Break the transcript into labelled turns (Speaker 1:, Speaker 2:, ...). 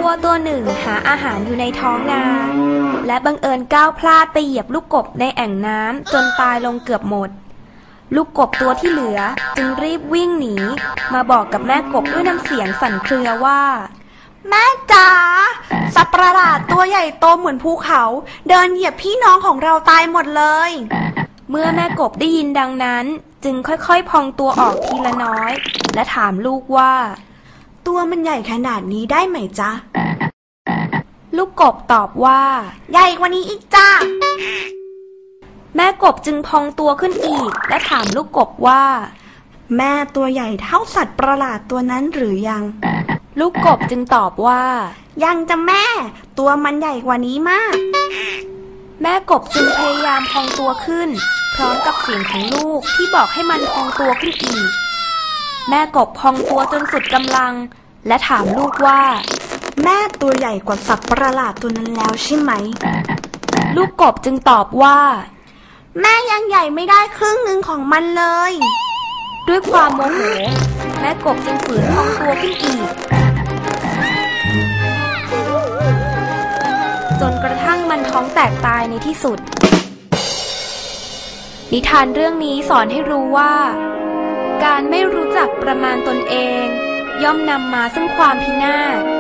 Speaker 1: วัวตัวหนึ่งหาอาหารอยู่ในท้องนาและบังเอิญก้าวพลาดไปเหยียบลูกกบในแอ่งน้ำจนตายลงเกือบหมดลูกกบตัวที่เหลือจึงรีบวิ่งหนีมาบอกกับแม่กบด้วยน้ำเสียงสั่นเครือว่า
Speaker 2: แม่จ๋าสัตว์ประหลาดตัวใหญ่โตเหมือนภูเขาเดินเหยียบพี่น้องของเราตายหมดเลย
Speaker 1: เมื่อแม่กบได้ยินดังนั้นจึงค่อยๆพองตัวออกทีละน้อยและถามลูกว่า
Speaker 2: ตัวมันใหญ่ขนาดนี้ได้ไหมจ๊ะ
Speaker 1: ลูกกบตอบว่า
Speaker 2: ใหญ่กว่านี้อีกจ้า
Speaker 1: แม่กบจึงพองตัวขึ้นอีกและถามลูกกบว่า
Speaker 2: แม่ตัวใหญ่เท่าสัตว์ประหลาดตัวนั้นหรือยัง
Speaker 1: ลูกกบจึงตอบว่า
Speaker 2: ยังจะแม่ตัวมันใหญ่กว่านี้มาก
Speaker 1: แม่กบจึงพยายามพองตัวขึ้นพร้อมกับเสียงของลูกที่บอกให้มันพองตัวขึ้นอีกแม่กบพองตัวจนสุดกำลังและถามลูกว่า
Speaker 2: แม่ตัวใหญ่กว่าสัตว์ประหลาดตัวนั้นแล้วใช่ไหม
Speaker 1: ลูกกบจึงตอบว่า
Speaker 2: แม่ยังใหญ่ไม่ได้ครึ่งหนึ่งของมันเลย
Speaker 1: ด้วยความโมโหแม่กบจึงฝืนพองตัวขึ้นอีกจนกระทั่งมันท้องแตกตายในที่สุดนิทานเรื่องนี้สอนให้รู้ว่าการไม่รู้จักประมาณตนเองย่อมนำมาซึ่งความพินาศ